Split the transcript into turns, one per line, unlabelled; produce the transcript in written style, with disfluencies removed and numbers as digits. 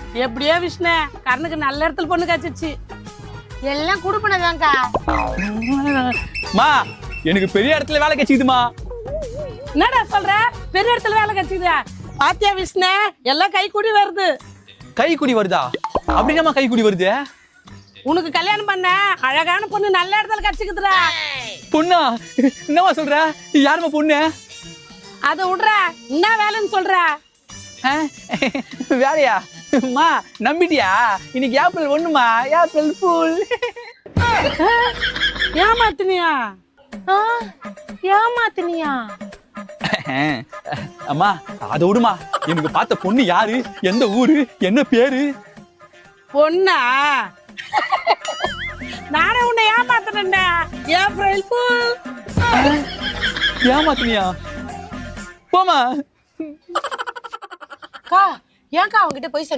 எப்படியோ விஷ்ணு கண்ணுக்கு நல்ல இடத்துல பொண்ணு காய்ச்சிச்சு.
எல்லாம் குடுப்பனதான்க்கா.
மா எனக்கு பெரிய இடத்துல வேலை கிடைச்சிதுமா.
என்னடா சொல்ற? பெரிய இடத்துல வேலை கிடைச்சிதா? பாத்தியா விஷ்ணு, எல்லாம் கை கூடி வருது.
கை குடி வருதா? அப்படின்னா கை குடி வருது.
உனக்கு கல்யாணம் பண்ண அழகான பொண்ணு நல்ல இடத்துல கிடைச்சிக்குதுடா.
பொண்ணா? என்னமா சொல்ற? யாருமா பொண்ணு?
அதை விடுற, என்ன வேலைன்னு சொல்ற?
வேலையா? மா நம்பிட்டியா? இன்னைக்கு ஏப்ரல் 1மா, ஏப்ரல் ஃபுல்.
ஏமாத்தினியா?
ஏமாத்தினியா?
அம்மா அதை விடுமா. எனக்கு பார்த்த பொண்ணு யாரு, எந்த ஊரு, என்ன பேரு?
பொண்ணா? நானே உன்னை ஏமாத்தினேன்டா. April fool.
ஏமாத்தினியா? போமா.
ஏன்க்கா அவங்ககிட்ட போய்